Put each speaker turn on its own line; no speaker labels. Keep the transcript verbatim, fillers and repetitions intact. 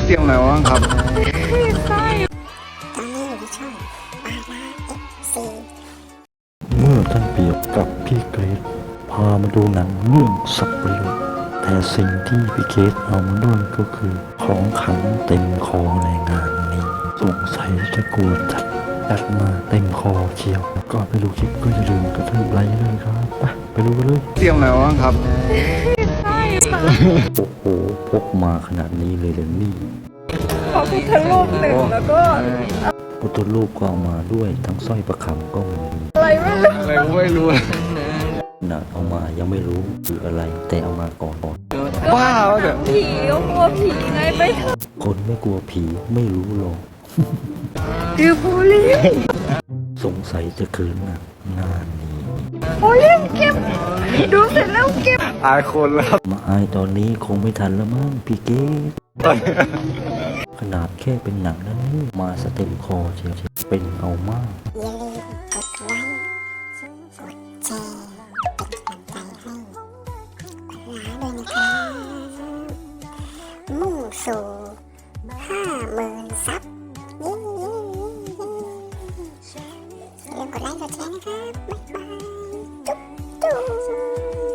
เตรียมอะไรบ้างครับ
ตอนนี้อยู่ที่ช่องปาราเอฟซี
เมื่อท่านเปียกกับพี่เกรซพามาดูหนังเรื่องสับปะรดแต่สิ่งที่พี่เกรซเอามาด้วยก็คือของขังเต็มคอในงานนี้สงสัยจะกลัวจัดจัดมาเต็มคอเชียวก่อนไปดูคลิปก็อย่าลืมกระทืบไลค์เลยครับไปไปดูกันเลย
เตรียมอะไรบ้างครับ
โอ้โหพกมาขนาดนี้เลยเลยนี่
พระพุทธรูปหนึ่งแล้วก็
พุทธรูปก็เอามาด้วยทั้งสร้อยประคำก็มี
อะไรไม่รู้
อะไรก็ไม่รู้
นะเอามายังไม่รู้คืออะไรแต่เอามาก่อนก่อน
บ้าวะเดี๋ยว
ผีก็กลัวผีไงไปเถอะ
คนไม่กลัวผีไม่รู้หรอก
คือโพลีน
สงสัยจะคืนหนักงานนี้
โพลีนเก็บดูเสร็จแล้วเก็บ
อายคนแล้วครับ
มาอายตอนนี้คงไม่ทันแล้วมั้งพี่เกศขนาดแค่เป็นหนังนั้นนี่มาสเต็มคอเชียวเป็นเอามาก
อย่าลืมกดไลค์กดแชร์เป็นกำลังใจให้ปาราด้วยนะครับมุ่งสู่ห้าหมื่นซับเย้อย่าลืมกดไลค์กดแชร์นะครับบ๊ายบายจุ๊บจุ๊บ